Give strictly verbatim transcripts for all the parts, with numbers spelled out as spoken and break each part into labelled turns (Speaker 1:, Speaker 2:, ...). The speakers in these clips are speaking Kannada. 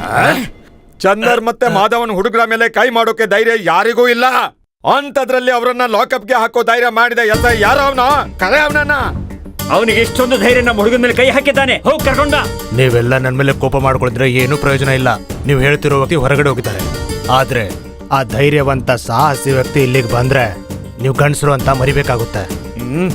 Speaker 1: ಚಂದರ್ ಮತ್ತೆ ಮಾಧವನ್ ಹುಡುಗರ ಮೇಲೆ ಕೈ ಮಾಡೋಕೆ ಧೈರ್ಯ ಯಾರಿಗೂ ಇಲ್ಲ. ಅಂತದ್ರಲ್ಲಿ ಅವರನ್ನ ಲಾಕಪ್ಗೆ ಹಾಕೋ ಧೈರ್ಯ ಮಾಡಿದ ಎಸ್ ಐ ಯಾರ ಅವನ ಕರೆ ಅವನನ್ನ.
Speaker 2: ಅವನಿಗೆ ಇಷ್ಟೊಂದು ಧೈರ್ಯ ನಮ್ಮ ಹುಡುಗನ ಮೇಲೆ ಕೈ ಹಾಕಿದ್ದಾನೆ. ಹೋಗಿ ಕರ್ಕೊಂಡ.
Speaker 3: ನೀವೆಲ್ಲ ನನ್ನ ಮೇಲೆ ಕೋಪ ಮಾಡ್ಕೊಳಿದ್ರೆ ಏನು ಪ್ರಯೋಜನ ಇಲ್ಲ. ನೀವು ಹೇಳ್ತಿರೋ ವ್ಯಕ್ತಿ ಹೊರಗಡೆ ಹೋಗಿದ್ದಾರೆ. ಆದ್ರೆ ಆ ಧೈರ್ಯವಂತ ಸಾಹಸಿ ವ್ಯಕ್ತಿ ಇಲ್ಲಿಗೆ ಬಂದ್ರೆ ನೀವು ಗಂಡಸರು ಅಂತ ಮರಿಬೇಕಾಗುತ್ತೆ.
Speaker 1: ಹ್ಮ್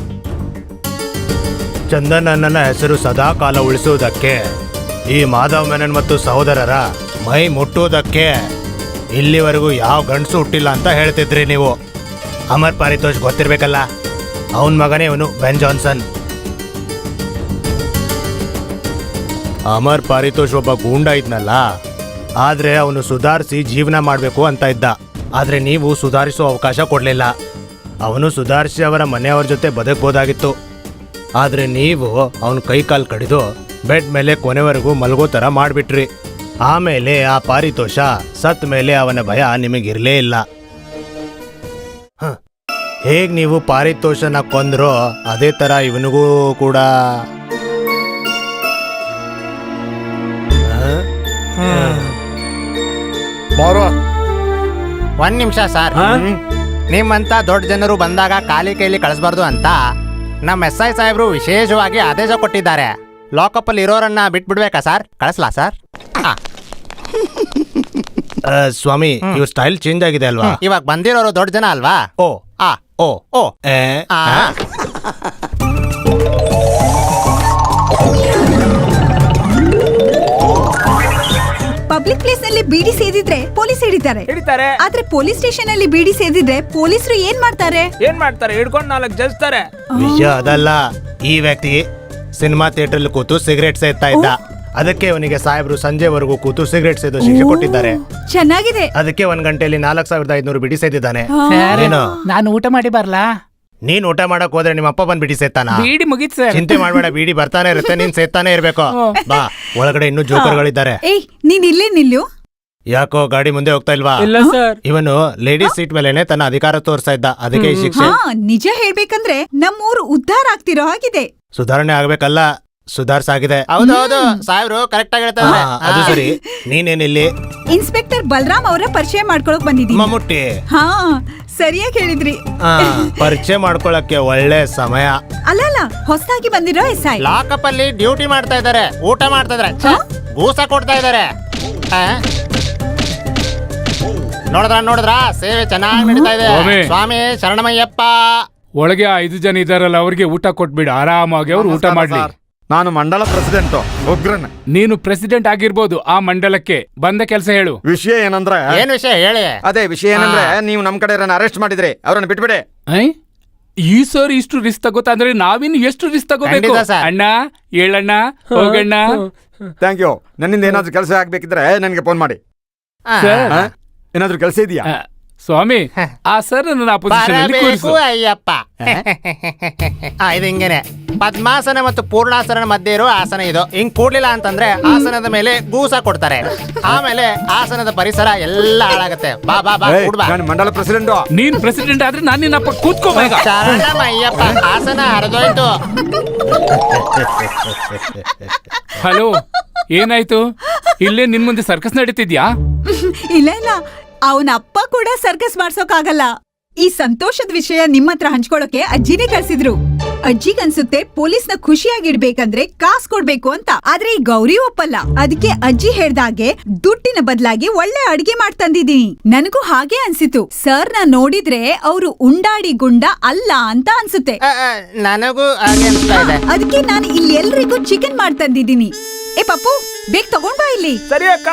Speaker 3: ಚಂದನ್ ನನ್ನ ಹೆಸರು ಸದಾ ಕಾಲ ಉಳಿಸುವುದಕ್ಕೆ, ಈ ಮಾಧವ್ ಮೆನನ್ ಮತ್ತು ಸಹೋದರರ ಮೈ ಮುಟ್ಟುವುದಕ್ಕೆ ಇಲ್ಲಿವರೆಗೂ ಯಾವ ಗಂಡಸು ಹುಟ್ಟಿಲ್ಲ ಅಂತ ಹೇಳ್ತಿದ್ರಿ ನೀವು. ಅಮರ್ ಪಾರಿತೋಷ್ ಗೊತ್ತಿರ್ಬೇಕಲ್ಲ, ಅವನ ಮಗನೇ ಇವನು ಬೆನ್ ಜಾನ್ಸನ್. ಅಮರ್ ಪಾರಿತೋಷ್ ಒಬ್ಬ ಗೂಂಡ ಇದ್ನಲ್ಲ, ಆದ್ರೆ ಅವನು ಸುಧಾರಿಸಿ ಜೀವನ ಮಾಡಬೇಕು ಅಂತ ಇದ್ದ. ಆದ್ರೆ ನೀವು ಸುಧಾರಿಸೋ ಅವಕಾಶ ಕೊಡ್ಲಿಲ್ಲ. ಅವನು ಸುಧಾರಿಸಿ ಅವರ ಮನೆಯವರ ಜೊತೆ ಬದುಕಬಹುದಾಗಿತ್ತು. ಆದ್ರೆ ನೀವು ಅವನ ಕೈ ಕಾಲು ಕಡಿದು ಬೆಡ್ ಮೇಲೆ ಕೊನೆವರೆಗೂ ಮಲಗೋ ತರ ಮಾಡ್ಬಿಟ್ರಿ. ಆಮೇಲೆ ಆ ಪಾರಿತೋಷ ಸತ್ ಮೇಲೆ ಅವನ ಭಯ ನಿಮಗಿರ್ಲೇ ಇಲ್ಲ. ಹೇಗ್ ನೀವು ಪಾರಿತೋಷನ ಕೊಂದ್ರೋ ಅದೇ ತರ ಇವನಿಗೂ ಕೂಡ.
Speaker 4: ಒಂದ್ ನಿಮಿಷ ಸರ್, ನಿಮ್ಮಂತ ದೊಡ್ಡ ಜನರು ಬಂದಾಗ ಖಾಲಿ ಕೈಲಿ ಕಳಿಸ್ಬಾರ್ದು ಅಂತ ನಮ್ಮ ಎಸ್ ಐ ಸಾಹೇಬ್ರು ವಿಶೇಷವಾಗಿ ಆದೇಶ ಕೊಟ್ಟಿದ್ದಾರೆ. ಲಾಕಪ್ ಅಲ್ಲಿ ಇರೋರನ್ನ ಬಿಟ್ಬಿಡ್ಬೇಕಾ ಸರ್? ಕಳಿಸ್ಲಾ ಸರ್?
Speaker 3: ಸ್ವಾಮಿ, ಇವ್ ಸ್ಟೈಲ್ ಚೇಂಜ್ ಆಗಿದೆ ಅಲ್ವಾ?
Speaker 4: ಇವಾಗ ಬಂದಿರೋರು ದೊಡ್ಡ ಜನ ಅಲ್ವಾ?
Speaker 3: ಓ
Speaker 4: ಆ
Speaker 3: ಓ
Speaker 4: ಓ
Speaker 3: ಏ
Speaker 4: ಆ
Speaker 5: ಪಬ್ಲಿಕ್ ಪ್ಲೇಸ್ ನಲ್ಲಿ ಬೀಡಿ ಸೇದಿದ್ರೆ ಪೊಲೀಸ್ ಹಿಡಿತಾರೆ
Speaker 6: ಹಿಡಿತಾರೆ.
Speaker 5: ಆದ್ರೆ ಪೊಲೀಸ್ ಸ್ಟೇಷನ್ ಅಲ್ಲಿ ಬೀಡಿ ಸೇದಿದ್ರೆ ಪೊಲೀಸರು ಏನ್ ಮಾಡ್ತಾರೆ?
Speaker 6: ಏನ್ ಮಾಡ್ತಾರೆ? ಹಿಡ್ಕೊಂಡು ನಾಲ್ಕು ಜಜ್ತಾರೆ.
Speaker 3: ವಿಷಯ ಅದಲ್ಲ. ಈ ವ್ಯಕ್ತಿ ಸಿನಿಮಾ ಥಿಯೇಟರ್ ಅಲ್ಲಿ ಕೂತು ಸಿಗರೇಟ್ ಸೇದ್ತಾ ಇದ್ದ. ಅದಕ್ಕೆ ಅವನಿಗೆ ಸಾಹೇಬ್ರು ಸಂಜೆವರೆಗೂ ಕೂತು ಸಿಗರೇಟ್ ಸೇದೋ ಶಿಕ್ಷೆ ಕೊಟ್ಟಿದ್ದಾರೆ.
Speaker 5: ಚೆನ್ನಾಗಿದೆ.
Speaker 3: ಅದಕ್ಕೆ ಒಂದ್ ಗಂಟೆಯಲ್ಲಿ ನಾಲ್ಕ್ ಸಾವಿರದ ಐದ್ನೂರು ಬಿಡಿ ಸೇದಿದ್ದಾನೆ. ಏನು
Speaker 6: ನಾನು ಊಟ ಮಾಡಿ ಬರ್ಲಾ?
Speaker 3: ನೀನ್ ಊಟ ಮಾಡಕ್ ಹೋದ್ರೆ ನಿಮ್ಮ ಅಪ್ಪ ಬಂದ್ ಬಿಡಿ ಸೇತಾನ?
Speaker 6: ಬೀಡಿ ಮುಗಿತ್ ಸರ್.
Speaker 3: ಚಿಂತೆ ಮಾಡ್ಬೇಡ, ಬೀಡಿ ಬರ್ತಾನೆ ಇರುತ್ತೆ, ನೀನ್ ಸೇತಾನೆ ಇರ್ಬೇಕು. ಬಾ, ಒಳಗಡೆ ಇನ್ನೂ ಜೋಕರ್ಗಳಿದ್ದಾರೆ.
Speaker 5: ಏಯ್, ನೀನ್ ಇಲ್ಲೇ ನಿಲ್ಲು.
Speaker 3: ಯಾಕೋ ಗಾಡಿ ಮುಂದೆ ಹೋಗ್ತಾ ಇಲ್ವಾ?
Speaker 6: ಇಲ್ಲ ಸರ್.
Speaker 3: ಇವನು ಲೇಡೀಸ್ ಸೀಟ್ ಮೇಲೆನೆ ತನ್ನ ಅಧಿಕಾರ ತೋರಿಸ್ತಾ ಇದ್ದ. ಅದಕ್ಕೆ ಈ ಶಿಕ್ಷೆ.
Speaker 5: ಹಾ, ನಿಜ ಹೇಳ್ಬೇಕಂದ್ರೆ ನಮ್ಮೂರು ಉದ್ಧಾರ ಆಗ್ತಿರೋ ಹಾಗಿದೆ.
Speaker 3: ಸುಧಾರಣೆ ಆಗ್ಬೇಕಲ್ಲ, ಸುಧಾರ್ಸಾಗಿದೆ.
Speaker 4: ಹೌದೌದು, ಸಾಹೇಬ್ರು ಕರೆಕ್ಟ್ ಆಗಿ ಹೇಳ್ತಾರೆ.
Speaker 3: ಅದು ಸರಿ. ನೀನೇನಿಲ್ಲಿ?
Speaker 5: ಇನ್ಸ್ಪೆಕ್ಟರ್ ಬಲರಾಮ್ ಅವರ ಪರಿಚಯ ಮಾಡ್ಕೊಳಕ್ ಬಂದಿದ್ದೀನಿ.
Speaker 3: ಮಮ್ಮುಟ್ಟಿ.
Speaker 5: ಹಾ, ಸರಿಯಾಗಿ ಹೇಳಿದ್ರಿ.
Speaker 3: ಆ, ಪರಿಚಯ ಮಾಡ್ಕೊಳಕ್ಕೆ ಒಳ್ಳೆ ಸಮಯ.
Speaker 5: ಅಲ್ಲ ಅಲ್ಲ, ಹೊಸದಾಗಿ ಬಂದಿರೋ ಎಸ್ ಐ.
Speaker 4: ಲಾಕಪ್ ಅಲ್ಲಿ ಡ್ಯೂಟಿ ಮಾಡ್ತಾ ಇದಾರೆ, ಊಟ ಮಾಡ್ತಾ ಇದಾರೆ, ಗೂಸ ಕೊಡ್ತಾ ಇದಾರೆ. ನೋಡಿದ್ರ ನೋಡಿದ್ರ ಸೇವೆ ಚೆನ್ನಾಗಿ ನಡೀತಾ ಇದೆ. ಸ್ವಾಮಿ ಶರಣಮಯ್ಯಪ್ಪ.
Speaker 7: ಒಳಗೆ ಐದು ಜನ ಇದಾರಲ್ಲ, ಅವ್ರಿಗೆ ಊಟ ಕೊಟ್ಬಿಡು ಆರಾಮಾಗಿ. ಅವ್ರು ಊಟ ಮಾಡ್ಲಿ.
Speaker 1: ನಾನು ಮಂಡಲ ಪ್ರೆಸಿಡೆಂಟ್ ಉಗ್ರನ್.
Speaker 7: ನೀನು ಪ್ರೆಸಿಡೆಂಟ್ ಆಗಿರ್ಬೋದು, ಆ ಮಂಡಲಕ್ಕೆ ಬಂದ ಕೆಲಸ ಹೇಳು.
Speaker 1: ವಿಷಯ ಏನಂದ್ರೆ,
Speaker 4: ಏನ್ ವಿಷಯ ಹೇಳಿ?
Speaker 1: ಅದೇ ವಿಷಯ ಏನಂದ್ರೆ, ನೀವು ನಮ್ ಕಡೆ ಅರೆಸ್ಟ್ ಮಾಡಿದ್ರಿ, ಅವ್ರನ್ನ ಬಿಟ್ಬಿಡಿ.
Speaker 7: ಈ ಸರ್ ಇಷ್ಟು ರಿಸ್ಕ್ ತಗೋತಾ ಅಂದ್ರೆ ನಾವಿನ್ನು ಎಷ್ಟು ರಿಸ್ಕ್ ತಗೋಬೇಕು? ಅಣ್ಣ ಹೇಳಣ್ಣ, ಹೋಗಣ್ಣ.
Speaker 1: Thank you. ನನ್ನಿಂದ ಏನಾದ್ರು ಕೆಲಸ ಆಗ್ಬೇಕಿದ್ರೆ ನನಗೆ ಫೋನ್ ಮಾಡಿ. ಏನಾದ್ರು ಕೆಲಸ ಇದೆಯಾ?
Speaker 7: ಸ್ವಾಮಿ, ಆ ಸರ್ ನನ್ನ ಅಪೋಸಿಷನ್ ಅಲ್ಲಿ ಕೂರಿಸು.
Speaker 4: ಅಯ್ಯಪ್ಪ, ಇದು ಹಿಂಗೇನೆ ಪದ್ಮಾಸನ ಮತ್ತು ಪೂರ್ಣಾಸನ ಮಧ್ಯೆ ಇರೋ ಆಸನ ಇದು. ಹಿಂಗ್ ಕೂಡ್ಲಿಲ್ಲ ಅಂತಂದ್ರೆ ಆಸನದ ಮೇಲೆ ಗೂಸ ಕೊಡ್ತಾರೆ. ಆಮೇಲೆ ಆಸನದ ಪರಿಸರ ಎಲ್ಲ ಹಾಳಾಗತ್ತೆ. ಬಾ ಬಾ ಬಾ, ಕೂಡ್ಬಾ.
Speaker 1: ನಾನು ಮಂಡಲ ಪ್ರೆಸಿಡೆಂಟ್.
Speaker 7: ನೀನ್ ಪ್ರೆಸಿಡೆಂಟ್ ಆದ್ರೆ ನಾನು ನಿನ್ನಪ್ಪ ಕೂತ್ಕೋ.
Speaker 4: ಶರಣಮಯ್ಯಪ್ಪ, ಆಸನ ಹರಿದೋಯ್ತು.
Speaker 7: ಹಲೋ, ಏನಾಯ್ತು? ಇಲ್ಲೇ ನಿನ್ ಮುಂದೆ ಸರ್ಕಸ್ ನಡೀತಿದ್ಯಾ?
Speaker 5: ಇಲ್ಲ ಇಲ್ಲ, ಅವನ ಅಪ್ಪ ಕೂಡ ಸರ್ಕಸ್ ಮಾಡ್ಸೋಕಾಗಲ್ಲ. ಈ ಸಂತೋಷದ ವಿಷಯ ನಿಮ್ಮ ಹತ್ರ ಹಂಚ್ಕೊಳ್ಳೋಕೆ ಅಜ್ಜಿನೇ ಕಳ್ಸಿದ್ರು. ಅಜ್ಜಿಗನ್ಸುತ್ತೆ ಪೊಲೀಸ್ನ ಖುಷಿಯಾಗಿಡ್ಬೇಕಂದ್ರೆ ಕಾಸ್ ಕೊಡ್ಬೇಕು ಅಂತ. ಆದ್ರೆ ಈ ಗೌರಿ ಒಪ್ಪಲ್ಲ. ಅದಕ್ಕೆ ಅಜ್ಜಿ ಹೇಳ್ದಾಗೆ ದುಡ್ಡಿನ ಬದಲಾಗಿ ಒಳ್ಳೆ ಅಡ್ಗೆ ಮಾಡ್ತಂದಿದೀನಿ. ನನಗೂ ಹಾಗೆ ಅನ್ಸಿತು. ಸರ್ ನ ನೋಡಿದ್ರೆ ಅವರು ಉಂಡಾಡಿ ಗುಂಡ ಅಲ್ಲ ಅಂತ ಅನ್ಸುತ್ತೆ.
Speaker 4: ನನಗೂ ಹಾಗೆ ಅನ್ಸ್ತಾ ಇದೆ.
Speaker 5: ಅದಕ್ಕೆ ನಾನು ಇಲ್ಲಿ ಎಲ್ರಿಗೂ ಚಿಕನ್ ಮಾಡ್ತಂದಿದೀನಿ. ಏ ಪಪ್ಪು, ಬೇಗ ತಗೊಂಡ್ ಬಾ ಇಲ್ಲಿ.
Speaker 6: ಸರಿ ಅಕ್ಕ.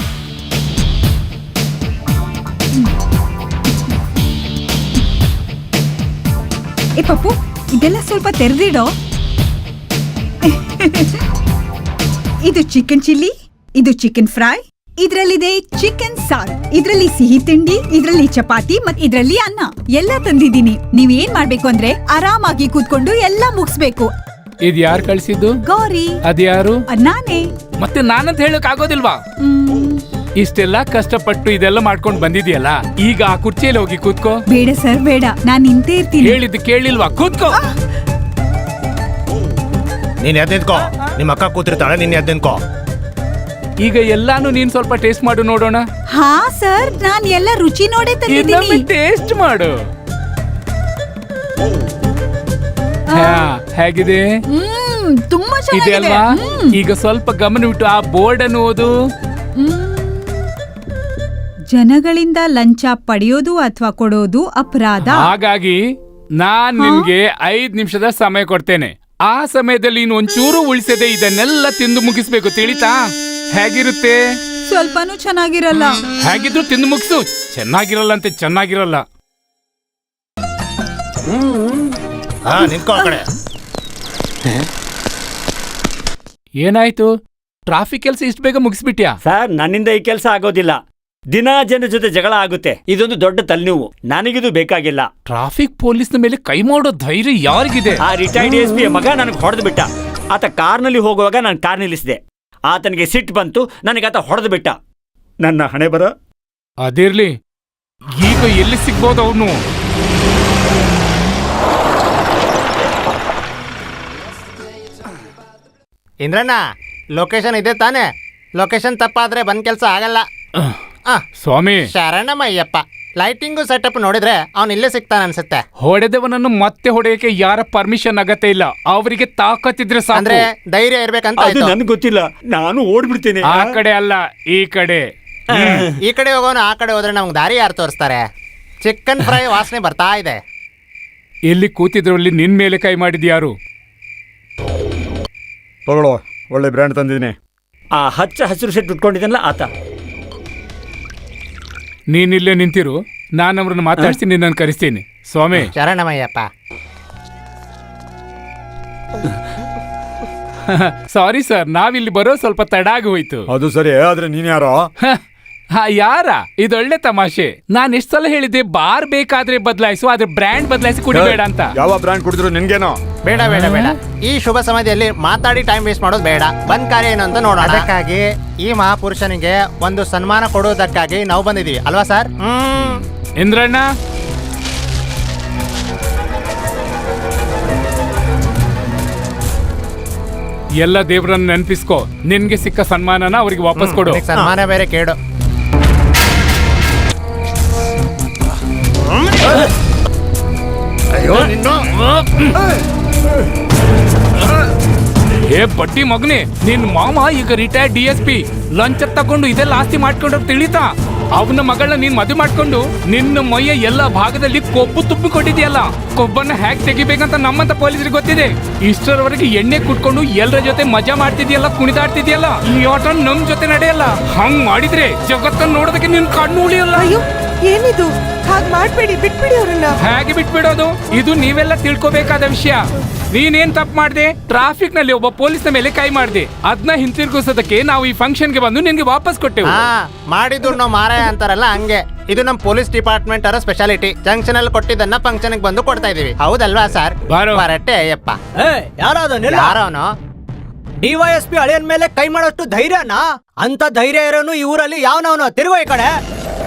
Speaker 5: ಏ ಪಪ್ಪು, ಇದೆಲ್ಲ ಸ್ವಲ್ಪ ತೆರೆದಿಡೋ. ಇದು ಚಿಕನ್ ಚಿಲ್ಲಿ, ಇದು ಚಿಕನ್ ಫ್ರೈ, ಇದ್ರಲ್ಲಿದೆ ಚಿಕನ್ ಸಾರ್, ಇದ್ರಲ್ಲಿ ಸಿಹಿ ತಿಂಡಿ, ಇದ್ರಲ್ಲಿ ಚಪಾತಿ ಮತ್ ಇದ್ರಲ್ಲಿ ಅನ್ನ ಎಲ್ಲ ತಂದಿದ್ದೀನಿ. ನೀವ್ ಏನ್ ಮಾಡ್ಬೇಕು ಅಂದ್ರೆ ಆರಾಮಾಗಿ ಕೂತ್ಕೊಂಡು ಎಲ್ಲ ಮುಗಿಸ್ಬೇಕು.
Speaker 7: ಇದ್ ಯಾರು ಕಳ್ಸಿದ್ದು?
Speaker 5: ಗೌರಿ.
Speaker 7: ಅದ್ಯಾರು?
Speaker 5: ನಾನೇ.
Speaker 7: ಮತ್ತೆ ನಾನಂತ ಹೇಳಕ್ ಆಗೋದಿಲ್ವಾ? ಇಷ್ಟೆಲ್ಲ ಕಷ್ಟಪಟ್ಟು ಇದೆಲ್ಲ ಮಾಡ್ಕೊಂಡ್ ಬಂದಿದ್ಯಲ್ಲ, ಈಗ ಆ ಕುರ್ಚಿಯಲ್ಲಿ ಹೋಗಿ ಕೂತ್ಕೋ.
Speaker 5: ಬೇಡ ಸರ್, ಬೇಡ, ನಾನ್ ನಿಂತೇ ಇರ್ತೀನಿ.
Speaker 7: ಹೇಳಿದ್ದು ಕೇಳಿಲ್ವಾ? ಕೂತ್ಕೋ.
Speaker 3: ನೀನ್ ಎದ್ ನಿಂತ್ಕೋ. ನಿಮ್ಮ ಅಕ್ಕ ಕೂತಿರ್ತಾಳೆ, ನೀನ್ ಎದ್ ನಿಂತ್ಕೋ.
Speaker 7: ಈಗ ಎಲ್ಲಾನು ನೀನ್ ಸ್ವಲ್ಪ ಟೇಸ್ಟ್ ಮಾಡು ನೋಡೋಣ.
Speaker 5: ಹಾ ಸರ್, ನಾನ್ ಎಲ್ಲ ರುಚಿ ನೋಡೇ
Speaker 7: ಇನ್ನೊಮ್ಮೆ
Speaker 5: ತಂದಿದ್ದೀನಿ.
Speaker 7: ಟೇಸ್ಟ್ ಮಾಡು. ಹಾ, ಹೇಗಿದೆ?
Speaker 5: ಹ್ಮ್ ತುಂಬಾ
Speaker 7: ಇದೆ
Speaker 5: ಚೆನ್ನಾಗಿದೆ.
Speaker 7: ಅಲ್ವಾ?
Speaker 5: ಹ್ಮ್.
Speaker 7: ಈಗ ಸ್ವಲ್ಪ ಗಮನವಿಟ್ಟು ಆ ಬೋರ್ಡ್ ಅನ್ನು ಓದು.
Speaker 5: ಹ್ಮ್. ಜನಗಳಿಂದ ಲಂಚ ಪಡೆಯೋದು ಅಥವಾ ಕೊಡೋದು ಅಪರಾಧ.
Speaker 7: ಹಾಗಾಗಿ ನಾನ್ ನಿನ್ಗೆ ಐದ್ ನಿಮಿಷದ ಸಮಯ ಕೊಡ್ತೇನೆ. ಆ ಸಮಯದಲ್ಲಿ ನೀನು ಒಂಚೂರು ಉಳಿಸದೆ ಇದನ್ನೆಲ್ಲ ತಿಂದು ಮುಗಿಸ್ಬೇಕು, ತಿಳಿತಾ? ಹೇಗಿರುತ್ತೆ?
Speaker 5: ಸ್ವಲ್ಪನೂ ಚೆನ್ನಾಗಿರಲ್ಲ.
Speaker 7: ಹೇಗಿದ್ರು ತಿಂದು ಮುಗಿಸು. ಚೆನ್ನಾಗಿರಲ್ಲ ಅಂತೆ, ಚೆನ್ನಾಗಿರಲ್ಲ.
Speaker 3: ಹಾ ನಿಂತ್ಕೊ ಆ ಕಡೆ.
Speaker 7: ಏನಾಯ್ತು? ಟ್ರಾಫಿಕ್ ಕೆಲಸ ಇಷ್ಟು ಬೇಗ ಮುಗಿಸ್ಬಿಟ್ಯಾ?
Speaker 2: ಸರ್, ನನ್ನಿಂದ ಈ ಕೆಲಸ ಆಗೋದಿಲ್ಲ. ದಿನಾ ಜನರ ಜೊತೆ ಜಗಳ ಆಗುತ್ತೆ. ಇದೊಂದು ದೊಡ್ಡ ತಲೆನೋವು. ನನಗಿದು ಬೇಕಾಗಿಲ್ಲ.
Speaker 7: ಟ್ರಾಫಿಕ್ ಪೊಲೀಸ್ನ ಮೇಲೆ ಕೈ ಮಾಡೋ ಧೈರ್ಯ ಯಾರಿಗಿದೆ?
Speaker 2: ಆ ರಿಟೈರ್ಡ್ ಎಸ್ ಪಿ ಮಗ ನನಗೆ ಹೊಡೆದು ಬಿಟ್ಟ. ಆತ ಕಾರ್ನಲ್ಲಿ ಹೋಗುವಾಗ ನಾನು ಕಾರ್ ನಿಲ್ಲಿಸಿದೆ. ಆತನಿಗೆ ಸಿಟ್ಟು ಬಂತು, ನನಗೆ ಆತ ಹೊಡೆದು ಬಿಟ್ಟ. ನನ್ನ ಹಣೆ ಬರ.
Speaker 7: ಅದಿರ್ಲಿ, ಈಗ ಎಲ್ಲಿ ಸಿಗ್ಬೋದು ಅವನು?
Speaker 4: ಇಂದ್ರಣ್ಣ, ಲೊಕೇಶನ್ ಇದೆ ತಾನೆ? ಲೊಕೇಶನ್ ತಪ್ಪಾದ್ರೆ ಬಂದ್ ಕೆಲ್ಸ ಆಗಲ್ಲ. ಆ,
Speaker 7: ಸ್ವಾಮಿ,
Speaker 4: ಶರಣಮಯ್ಯಪ್ಪ. ಲೈಟಿಂಗು ಸೆಟಪ್ ನೋಡಿದ್ರೆ ಅವ್ನು ಇಲ್ಲೇ ಸಿಗ್ತಾನ ಅನ್ಸುತ್ತೆ.
Speaker 7: ಹೊಡೆದವನನ್ನು ಮತ್ತೆ ಹೊಡೆಯಕ್ಕೆ ಯಾರ ಪರ್ಮಿಷನ್ ಅಗತ್ಯ ಇಲ್ಲ. ಅವರಿಗೆ ತಾಕತ್ತಿದ್ರೆ
Speaker 4: ಅಂದ್ರೆ
Speaker 7: ಸಾಕು.
Speaker 4: ಧೈರ್ಯ ಇರ್ಬೇಕಂತ
Speaker 2: ಅದು
Speaker 4: ಆಯ್ತು.
Speaker 2: ನನಗೆ ಗೊತ್ತಿಲ್ಲ. ನಾನು ಓಡ್ಬಿಡ್ತೇನೆ.
Speaker 7: ಆ ಕಡೆ ಅಲ್ಲ, ಈ ಕಡೆ.
Speaker 4: ಈ ಕಡೆ ಹೋಗೋನು ಆ ಕಡೆ ಹೋದ್ರೆ ನಮ್ಗೆ ದಾರಿ ಯಾರು ತೋರಿಸ್ತಾರೆ? ಚಿಕನ್ ಫ್ರೈ ವಾಸನೆ ಬರ್ತಾ ಇದೆ.
Speaker 7: ಎಲ್ಲಿ ಕೂತಿದ್ರಲ್ಲಿ ನಿನ್ ಮೇಲೆ ಕೈ ಮಾಡಿದ್ಯಾರು?
Speaker 1: ತಗೊಳ್ಳೋ, ಒಳ್ಳೆ ಬ್ರ್ಯಾಂಡ್ ತಂದಿದ್ದೀನಿ.
Speaker 2: ಆ ಹಚ್ಚ ಹಸಿರು ಸೆಟ್ ಉಟ್ಕೊಂಡಿದ್ದಲ್ಲ ಆತ.
Speaker 7: ನೀನಿಲ್ಲೇ ನಿಂತಿರು, ನಾನು ಅವ್ರನ್ನ ಮಾತಾಡ್ಸಿ ನಿನ್ನನ್ನು ಕರೆಸ್ತೀನಿ. ಸ್ವಾಮಿ,
Speaker 4: ಶರಣಮಯ್ಯಪ್ಪ.
Speaker 7: ಸಾರಿ ಸರ್, ನಾವಿಲ್ಲಿ ಬರೋ ಸ್ವಲ್ಪ ತಡ ಆಗಿ ಹೋಯ್ತು.
Speaker 1: ಅದು ಸರಿ, ಆದ್ರೆ ನೀನ್ ಯಾರೋ?
Speaker 7: ಹ, ಹಾ, ಯಾರ? ಇದೊಳ್ಳೆ ತಮಾಷೆ. ನಾನ್ ಎಷ್ಟ್ ಸಲ ಹೇಳಿದ್ದೆ ಬಾರ್ ಬೇಕಾದ್ರೆ ಬದಲಾಯಿಸು, ಆದ್ರೆ ಬ್ರ್ಯಾಂಡ್ ಬದಲಾಯಿಸಿ ಕುಡಿಬೇಡ ಅಂತ.
Speaker 1: ಯಾವ ಬ್ರ್ಯಾಂಡ್ ಕುಡಿದ್ರು ನಿನ್ಗೇನೋ?
Speaker 4: ಬೇಡ ಬೇಡ ಬೇಡ, ಈ ಶುಭ ಸಮಯದಲ್ಲಿ ಮಾತಾಡಿ ಟೈಮ್ ವೇಸ್ಟ್ ಮಾಡೋದು ಬೇಡ. ಬಂದ್ ಕಾರ್ಯ ಏನು ಅಂತ ನೋಡೋಣ. ಅದಕ್ಕಾಗಿ ಈ ಮಹಾಪುರುಷನಿಗೆ ಒಂದು ಸನ್ಮಾನ ಕೊಡುವುದಕ್ಕಾಗಿ ನಾವು ಬಂದಿದೀವಿ ಅಲ್ವಾ ಸರ್? ಹ್ಮ್.
Speaker 7: ಇಂದ್ರಣ್ಣ, ಎಲ್ಲ ದೇವ್ರನ್ನ ನೆನ್ಪಿಸ್ಕೋ. ನಿನ್ಗೆ ಸಿಕ್ಕ ಸನ್ಮಾನನ ಅವ್ರಿಗೆ ವಾಪಸ್ ಕೊಡು.
Speaker 4: ನಿನಗ್ ಸನ್ಮಾನ ಬೇರೆ ಕೇಡು.
Speaker 1: ಅಯ್ಯೋ ನಿನ್ನ.
Speaker 7: ಏ ಬಡ್ಡಿ ಮಗನೇ, ನಿನ್ ಮಾಮ ಈಗ ರಿಟೈರ್ಡ್ ಡಿ ಎಸ್ ಪಿ. ಲಂಚ ತಗೊಂಡು ಇದೆಲ್ಲ ಆಸ್ತಿ ಮಾಡ್ಕೊಂಡು ತಿಳಿತಾ? ಅವನ ಮಗಳನ್ನ ನೀನ್ ಮದುವೆ ಮಾಡ್ಕೊಂಡು ನಿನ್ನ ಮೈಯ ಎಲ್ಲ ಭಾಗದಲ್ಲಿ ಕೊಬ್ಬು ತುಪ್ಪಿ ಕೊಟ್ಟಿದ್ಯಲ್ಲ. ಕೊಬ್ಬನ್ನ ಹ್ಯಾಕ್ ತೆಗಿಬೇಕಂತ ನಮ್ಮಂತ ಪೊಲೀಸರಿಗೆ ಗೊತ್ತಿದೆ. ಇಷ್ಟರವರೆಗೆ ಎಣ್ಣೆ ಕುಟ್ಕೊಂಡು ಎಲ್ಲರ ಜೊತೆ ಮಜಾ ಮಾಡ್ತಿದ್ಯಲ್ಲ, ಕುಣಿದಾಡ್ತಿದ್ಯಲ್ಲ. ಈ ಆಟ ನಮ್ ಜೊತೆ ನಡೆಯಲ್ಲ. ಹಂಗ್ ಮಾಡಿದ್ರೆ ಜಗತ್ತನ್ನ ನೋಡೋದಕ್ಕೆ ನಿನ್ ಕಣ್ಣು ಉಳಿಯಲ್ಲ.
Speaker 8: ಅಯ್ಯೋ, ಏನಿದು? ಹಾಗ್ ಮಾಡ್ಬೇಡಿ, ಬಿಟ್ಬಿಡಿ ಅವ್ರನ್ನ.
Speaker 7: ಹೇಗೆ ಬಿಟ್ಬಿಡೋದು? ಇದು ನೀವೆಲ್ಲ ತಿಳ್ಕೊಬೇಕಾದ ವಿಷಯ. ನೀನೇನ್ ತಪ್ಪು ಮಾಡ್ದೆ? ಟ್ರಾಫಿಕ್ ನಲ್ಲಿ ಒಬ್ಬ ಪೊಲೀಸ್ನ ಮೇಲೆ ಕೈ ಮಾಡ್ದೆ. ಅದನ್ನ ಹಿಂತಿರುಗಿಸೋದಕ್ಕೆ ನಾವು ಈ ಫಂಕ್ಷನ್ ಗೆ ಬಂದು ನಿನ್ಗೆ ವಾಪಸ್ ಕೊಟ್ಟೆವು.
Speaker 4: ಹಾ, ಮಾಡಿದ್ರು ನಾವು ಮಾರಾಯ ಅಂತಾರಲ್ಲ ಹಂಗೆ. ಇದು ನಮ್ ಪೊಲೀಸ್ ಡಿಪಾರ್ಟ್ಮೆಂಟ್ ಅವರ ಸ್ಪೆಷಾಲಿಟಿ. ಜಂಕ್ಷನ್ ಅಲ್ಲಿ ಕೊಟ್ಟಿದ್ದನ್ನ ಫಂಕ್ಷನ್ ಗೆ ಬಂದು ಕೊಡ್ತಾ ಇದೀವಿ. ಹೌದಲ್ವಾ ಸರ್?
Speaker 7: ಬಾರೋ.
Speaker 4: ಬರಟ್ಟೆ ಅಯ್ಯಪ್ಪ.
Speaker 9: ಯಾರಾದನಿಲ್ಲ,
Speaker 4: ಯಾರವನು?
Speaker 9: ಡಿವೈಎಸ್ಪಿ ಅಳಿಯನ್ ಮೇಲೆ ಕೈ ಮಾಡೋಷ್ಟು ಧೈರ್ಯನಾ? ಅಂತ ಧೈರ್ಯ ಇರೋನು ಈ ಊರಲ್ಲಿ ಯಾವನವನು? ತಿರುಗೋ ಈ ಕಡೆ.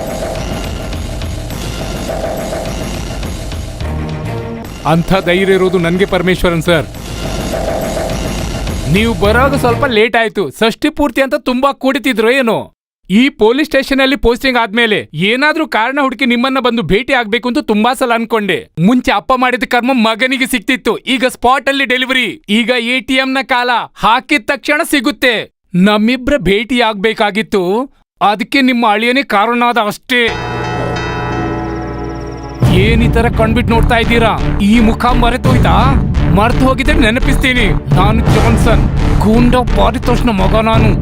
Speaker 7: ಅಂಥ ಧೈರ್ಯ ಇರೋದು ನನ್ಗೆ ಪರಮೇಶ್ವರನ್ ಸರ್. ನೀವು ಬರೋದು ಸ್ವಲ್ಪ ಲೇಟ್ ಆಯ್ತು. ಷಷ್ಠಿ ಪೂರ್ತಿ ಅಂತ ತುಂಬಾ ಕುಡಿತಿದ್ರು ಏನೋ. ಈ ಪೊಲೀಸ್ ಸ್ಟೇಷನ್ ಅಲ್ಲಿ ಪೋಸ್ಟಿಂಗ್ ಆದ್ಮೇಲೆ ಏನಾದ್ರೂ ಕಾರಣ ಹುಡುಕಿ ನಿಮ್ಮನ್ನ ಬಂದು ಭೇಟಿ ಆಗ್ಬೇಕು ಅಂತ ತುಂಬಾ ಸಲ ಅನ್ಕೊಂಡೆ. ಮುಂಚೆ ಅಪ್ಪ ಮಾಡಿದ ಕರ್ಮ ಮಗನಿಗೆ ಸಿಕ್ತಿತ್ತು. ಈಗ ಸ್ಪಾಟ್ ಅಲ್ಲಿ ಡೆಲಿವರಿ. ಈಗ ಎ ಟಿ ಎಂ ನ ಕಾಲ. ಹಾಕಿದ ತಕ್ಷಣ ಸಿಗುತ್ತೆ. ನಮ್ಮಿಬ್ರ ಭೇಟಿ ಆಗ್ಬೇಕಾಗಿತ್ತು. ಅದಕ್ಕೆ ನಿಮ್ಮ ಅಳಿಯನೇ ಕಾರಣ ಆದ ಅಷ್ಟೇ. ಏನ್ ಈ ತರ ಕಣ್ಬಿಟ್ಟು ನೋಡ್ತಾ ಇದ್ದೀರಾ? ಈ ಮುಖ ಮರೆತೋಯ್ತಾ? ಮರ್ತು ಹೋಗಿದ್ರೆ ನೆನಪಿಸ್ತೀನಿ. ನಾನು ಜಾನ್ಸನ್, ಗೂಂಡ ಪಾರಿತೋಷ್ನ ಮಗ ನಾನು.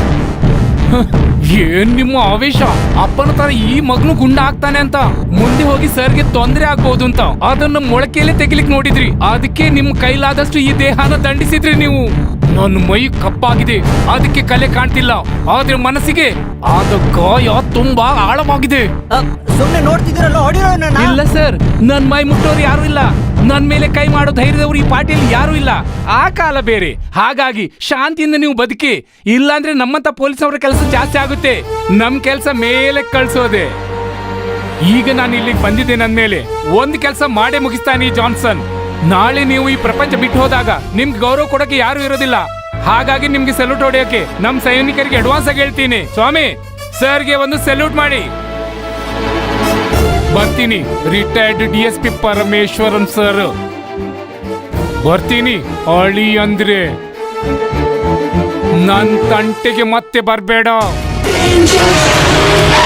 Speaker 7: ಏನ್ ನಿಮ್ಮ ಆವೇಶ? ಅಪ್ಪನ ತರ ಈ ಮಗನು ಗುಂಡ ಆಗ್ತಾನೆ ಅಂತ. ಮುಂದೆ ಹೋಗಿ ಸರ್ಗೆ ತೊಂದರೆ ಆಗ್ಬಹುದು ಅಂತ ಅದನ್ನ ಮೊಳಕೆಯಲ್ಲೇ ತೆಗಿಲಿಕ್ ನೋಡಿದ್ರಿ. ಅದಕ್ಕೆ ನಿಮ್ ಕೈಲಾದಷ್ಟು ಈ ದೇಹನ ದಂಡಿಸಿದ್ರಿ ನೀವು. ನನ್ನ ಮೈ ಕಪ್ಪಾಗಿದೆ, ಅದಕ್ಕೆ ಕಲೆ ಕಾಣ್ತಿಲ್ಲ. ಆದ್ರೆ ಮನಸ್ಸಿಗೆ ಆದ ಗಾಯ ತುಂಬಾ ಆಳವಾಗಿದೆ.
Speaker 9: ಸುಮ್ನೆ ನೋಡ್ತಿದ್ದೀರಲ್ಲ, ಹೊಡಿರೋ ನನ್ನ.
Speaker 7: ಇಲ್ಲ ಸರ್, ನನ್ ಮೈ ಮುಟ್ಟೋರು ಯಾರು ಇಲ್ಲ. ನನ್ ಮೇಲೆ ಕೈ ಮಾಡೋ ಧೈರ್ಯದವ್ರು ಈ ಪಾರ್ಟಿಯಲ್ಲಿ ಯಾರು ಇಲ್ಲ. ಆ ಕಾಲ ಬೇರೆ. ಹಾಗಾಗಿ ಶಾಂತಿಯಿಂದ ನೀವು ಬದುಕಿ. ಇಲ್ಲಾಂದ್ರೆ ನಮ್ಮಂತ ಪೊಲೀಸ್ ಅವರ ಕೆಲಸ ಜಾಸ್ತಿ ಆಗುತ್ತೆ. ನಮ್ ಕೆಲಸ ಮೇಲೆ ಕಳ್ಸೋದೆ. ಈಗ ನಾನು ಇಲ್ಲಿಗೆ ಬಂದಿದ್ದೆ. ನನ್ ಮೇಲೆ ಒಂದ್ ಕೆಲಸ ಮಾಡೇ ಮುಗಿಸ್ತಾನೆ ಜಾನ್ಸನ್. ನಾಳೆ ನೀವು ಈ ಪ್ರಪಂಚ ಬಿಟ್ಟು ಹೋದಾಗ ನಿಮ್ಗೆ ಗೌರವ ಕೊಡಕ್ಕೆ ಯಾರು ಇರೋದಿಲ್ಲ. ಹಾಗಾಗಿ ನಿಮ್ಗೆ ಸೆಲ್ಯೂಟ್ ಹೊಡೆಯೋಕೆ ನಮ್ ಸೈನಿಕರಿಗೆ ಅಡ್ವಾನ್ಸ್ ಆಗಿ ಹೇಳ್ತೀನಿ. ಸ್ವಾಮಿ ಸರ್ಗೆ ಒಂದು ಸೆಲ್ಯೂಟ್ ಮಾಡಿ. ಬರ್ತೀನಿ retired D S P Parameshwaran sir. ಬರ್ತೀನಿ. ಅಳಿ ಅಂದ್ರೆ ನನ್ ತಂಟೆಗೆ ಮತ್ತೆ ಬರ್ಬೇಡ.